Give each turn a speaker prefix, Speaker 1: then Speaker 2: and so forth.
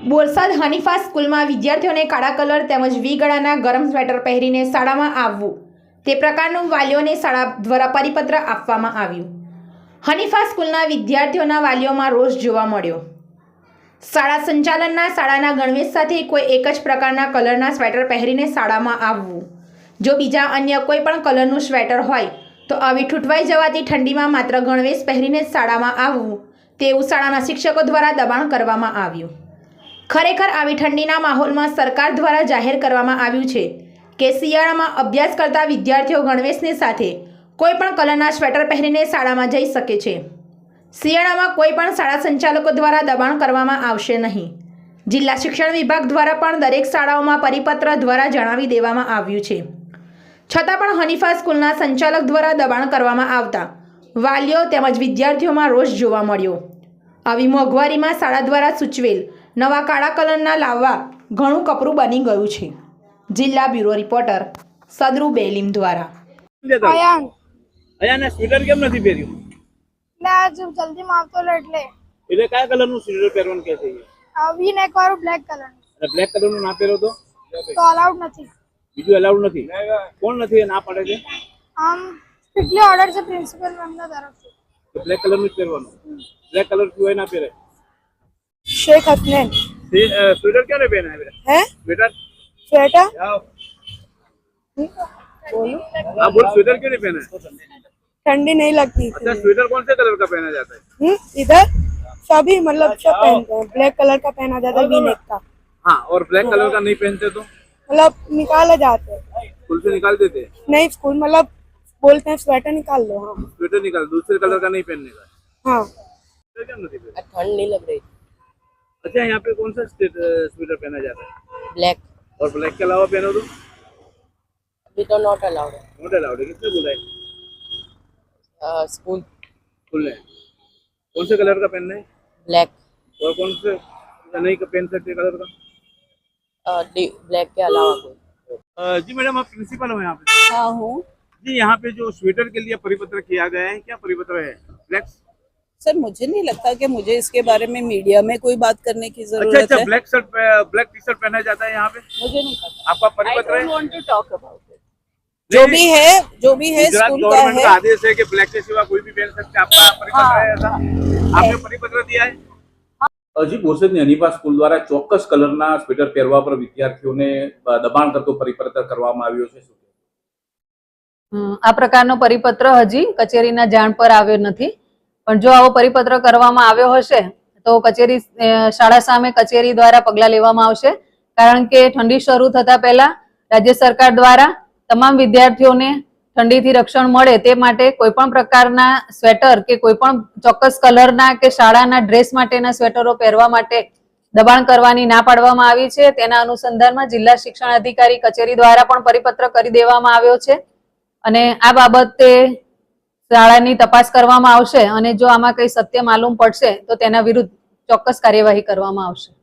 Speaker 1: બોરસદ હનીફા સ્કૂલમાં વિદ્યાર્થીઓને કાળા કલર તેમજ વી ગળાના ગરમ સ્વેટર પહેરીને શાળામાં આવવું તે પ્રકારનું વાલીઓને શાળા દ્વારા પરિપત્ર આપવામાં આવ્યું। હનીફા સ્કૂલના વિદ્યાર્થીઓના વાલીઓમાં રોષ જોવા મળ્યો। શાળા સંચાલનના શાળાના ગણવેશ સાથે કોઈ એક જ પ્રકારના કલરના સ્વેટર પહેરીને શાળામાં આવવું, જો બીજા અન્ય કોઈ પણ કલરનું સ્વેટર હોય તો આવી ઠૂંઠવાઈ જવાથી ઠંડીમાં માત્ર ગણવેશ પહેરીને શાળામાં આવવું તેવું શાળાના શિક્ષકો દ્વારા દબાણ કરવામાં આવ્યું। ખરેખર આવી ઠંડીના માહોલમાં સરકાર દ્વારા જાહેર કરવામાં આવ્યું છે કે શિયાળામાં અભ્યાસ કરતા વિદ્યાર્થીઓ ગણવેશની સાથે કોઈ પણ કલરના સ્વેટર પહેરીને શાળામાં જઈ શકે છે। શિયાળામાં કોઈ પણ શાળા સંચાલકો દ્વારા દબાણ કરવામાં આવશે નહીં। જિલ્લા શિક્ષણ વિભાગ દ્વારા પણ દરેક શાળાઓમાં પરિપત્ર દ્વારા જણાવી દેવામાં આવ્યું છે, છતાં પણ હનીફા સ્કૂલના સંચાલક દ્વારા દબાણ કરવામાં આવતા વાલીઓ તેમજ વિદ્યાર્થીઓમાં રોષ જોવા મળ્યો। આવી મોંઘવારીમાં શાળા દ્વારા સૂચવેલ નવા કાળા કલરના લાવવા ઘણું કપરું બની ગયું છે। જિલ્લા બ્યુરો રિપોર્ટર સદરુ બેલીમ દ્વારા।
Speaker 2: અયાને સ્વેટર કેમ નથી પહેર્યું?
Speaker 3: આજ જલ્દી માં આવતો એટલે
Speaker 2: કયા કલરનું સ્વેટર પહેરવાનું કહે છે?
Speaker 3: વી નેક વાળું બ્લેક કલર
Speaker 2: અને બ્લેક કલરનું ના પહેરો તો
Speaker 3: અલાઉડ નથી।
Speaker 2: બીજું અલાઉડ નથી? કોણ નથી ના પડે છે?
Speaker 3: આમ સ્ટ્રિક્ટલી ઓર્ડર છે પ્રિન્સિપલ મેમના તરફથી।
Speaker 2: તો બ્લેક કલરનું જ પહેરવાનું। બ્લેક કલર સિવાય ના પહેરે।
Speaker 3: शेख हसनैन
Speaker 2: स्वेटर क्यों नहीं पहना है बेटा?
Speaker 3: है
Speaker 2: स्वेटर
Speaker 3: स्वेटर बोलो
Speaker 2: आप बोल स्वेटर क्यों नहीं पहना है?
Speaker 3: ठंडी नहीं लगती।
Speaker 2: अच्छा स्वेटर कौन से कलर का पहना जाता है?
Speaker 3: इधर सभी मतलब सब पहनते हैं। ब्लैक कलर का पहना जाता है वी नेक का।
Speaker 2: हाँ, और ब्लैक कलर का नहीं पहनते तो
Speaker 3: मतलब निकाले जाते हैं।
Speaker 2: स्कूल से निकाल देते हैं?
Speaker 3: नहीं स्कूल मतलब बोलते हैं स्वेटर निकाल लो। हाँ
Speaker 2: स्वेटर निकाल, दूसरे कलर का नहीं पहनने का।
Speaker 3: हाँ
Speaker 2: स्वेटर क्यों नहीं पहना?
Speaker 4: ठंड नहीं लग रही।
Speaker 2: अच्छा यहाँ पे कौन सा स्वेटर पहना जाता है?
Speaker 4: ब्लैक।
Speaker 2: और ब्लैक के अलावा पहनो तो
Speaker 4: अभी तो नॉट अलाउड है।
Speaker 2: नॉट अलाउड है। किसने बोला है?
Speaker 4: स्कूल
Speaker 2: स्कूल ने। कौन से कलर का पहनना है?
Speaker 4: ब्लैक।
Speaker 2: और कौन से नहीं पहन सकते कलर का?
Speaker 4: ब्लैक के अलावा कोई।
Speaker 2: जी मैडम, आप प्रिंसिपल हो यहाँ पे?
Speaker 4: हाँ हूँ।
Speaker 2: जी यहाँ पे जो स्वेटर के लिए परिपत्र किया गया है, क्या परिपत्र है? ब्लैक
Speaker 4: सर मुझे नहीं लगता कि मुझे इसके बारे में मीडिया में कोई बात करने की जरूरत
Speaker 2: अच्छा,
Speaker 4: है।
Speaker 2: Black shirt black T shirt पहना जाता है यहाँ पे?
Speaker 4: मुझे नहीं पता।
Speaker 2: आपका परिपत्र है?
Speaker 4: want to talk about it. जो भी है स्कूल का
Speaker 2: गवर्नमेंट
Speaker 4: है।
Speaker 2: का आदेश है कि ब्लैक के सिवा कोई भी पहन सकते हैं। आपका परिपत्र है ऐसा? आपने परिपत्र दिया है? હજી બોરસદની હનીફા સ્કૂલ દ્વારા ચોક્કસ કલરના સ્વેટર પહેરવા પર વિદ્યાર્થીઓને દબાણ કરતો પરિપત્ર કરવામાં આવ્યો છે।
Speaker 5: આ પ્રકારનો પરિપત્ર હજી કચેરીના જાણ પર આવ્યો નથી, પણ જો આવો પરિપત્ર કરવામાં આવ્યો હશે તો કચેરી શાળા સામે કચેરી દ્વારા પગલાં લેવામાં આવશે, કારણ કે ઠંડી શરૂ થતા પહેલા રાજ્ય સરકાર દ્વારા તમામ વિદ્યાર્થીઓને ઠંડીથી રક્ષણ મળે તે માટે કોઈપણ પ્રકારના સ્વેટર કે કોઈપણ ચોક્કસ કલરના કે શાળાના ડ્રેસ માટેના સ્વેટરો પહેરવા માટે દબાણ કરવાની ના પાડવામાં આવી છે। તેના અનુસંધાનમાં જિલ્લા શિક્ષણ અધિકારી કચેરી દ્વારા પણ પરિપત્ર કરી દેવામાં આવ્યો છે અને આ બાબતે શાળાની તપાસ કરવામાં આવશે અને જો આમાં કંઈ સત્ય માલુમ પડશે તો તેના વિરુદ્ધ ચોક્કસ કાર્યવાહી કરવામાં આવશે।